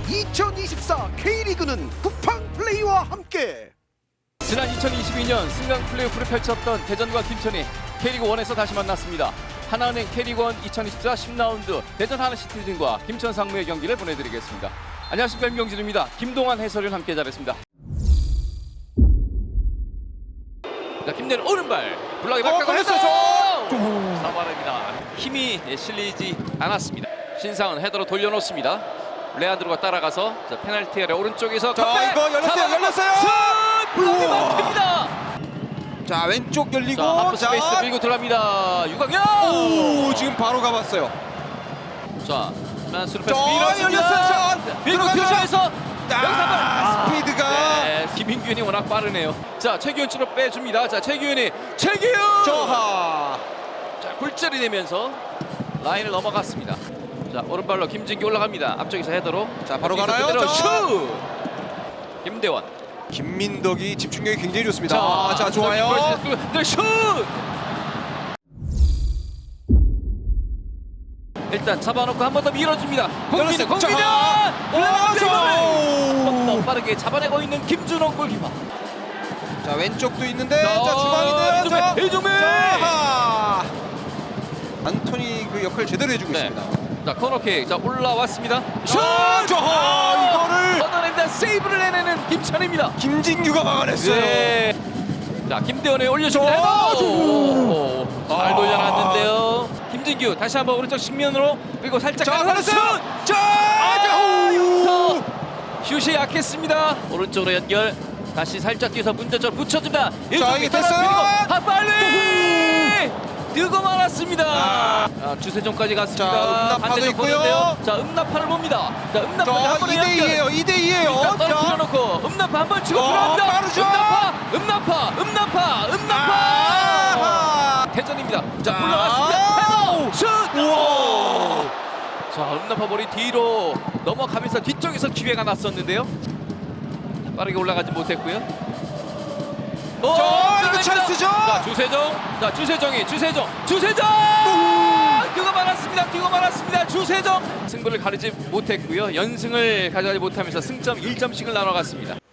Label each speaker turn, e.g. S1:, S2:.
S1: 2024 K리그는 쿠팡 플레이와 함께.
S2: 지난 2022년 승강 플레이오프를 펼쳤던 대전과 김천이 K리그 1에서 다시 만났습니다. 하나은행 K리그 1 2024 10라운드 대전 하나시티즌과 김천 상무의 경기를 보내드리겠습니다. 안녕하십니까, 임경진입니다. 김동환 해설위원 함께 잘했습니다. 자, 김대는 오른발 블락에 바꿔서 잡아냅니다. 힘이 실리지 않았습니다. 신상은 헤더로 돌려놓습니다. 레안드로가 따라가서 자, 페널티 아래 오른쪽에서
S3: 자, 이거 열렸어요.
S2: 블락이 막힙니다.
S3: 자, 왼쪽 열리고
S2: 자, 하프 스페이스 밀고 들어갑니다. 유광현.
S3: 오, 지금 바로 가봤어요.
S2: 자, 만수르 패스
S3: 열렸어요.
S2: 밀었습니다. 밀고 들어가면서
S3: 스피드가
S2: 네, 김인균이 워낙 빠르네요. 자, 최규현 쪽으로 빼줍니다. 자, 최규현
S3: 저하.
S2: 자, 굴절이 되면서 라인을 넘어갔습니다. 자, 오른발로 김진규 올라갑니다. 앞쪽에서 헤더로.
S3: 자, 바로
S2: 뒤에서
S3: 가나요?
S2: 그대로
S3: 자.
S2: 슛! 김대원.
S3: 김민덕이 집중력이 굉장히 좋습니다. 자, 좋아요.
S2: 네, 슛! 일단 잡아놓고 한 번 더 밀어줍니다. 공민이 더 빠르게 잡아내고 있는 김준호 골키퍼.
S3: 자, 왼쪽도 있는데 자, 중앙인데요. 자,
S2: 이중민.
S3: 자하. 안토니 그 역할 제대로 해주고
S2: 네.
S3: 있습니다.
S2: 자, 코너킥. 자, 올라왔습니다. 슛!
S3: 저하. 이거를
S2: 걷어냅니다. 세이브를 해내는 김찬입니다.
S3: 김진규가 막아냈어요.
S2: 네. 자, 김대원에 올려줍니다. 잘 돌려놨는데요. 김진규 다시 한번 오른쪽 측면으로 그리고 살짝
S3: 자,
S2: 가서 슛! 여기서 슛이 약했습니다. 오른쪽으로 연결. 다시 살짝 뛰어서 문제점 붙여줍니다.
S3: 자, 이게 됐어요.
S2: 빨리 뜨고 말았습니다. 주세종까지 갔습니다.
S3: 자, 음나파도
S2: 반대쪽
S3: 있고요.
S2: 보는데요. 자, 음나파를 봅니다. 자, 음나파
S3: 자,
S2: 한 번에 연결.
S3: 2대2예요.
S2: 떨어뜨려놓고 음나파 한 번 치고 들어갑니다.
S3: 빠르죠.
S2: 음나파. 대전입니다. 자, 올라왔습니다. 슛.
S3: 우와.
S2: 자, 음나파 볼이 뒤로 넘어가면서 뒤쪽에서 기회가 났었는데요. 자, 빠르게 올라가지 못했고요.
S3: 이거 찬스죠.
S2: 자, 주세정. 뛰고 말았습니다. 주세정. 승부를 가리지 못했고요. 연승을 가져가지 못하면서 승점 1점씩을 나눠갔습니다.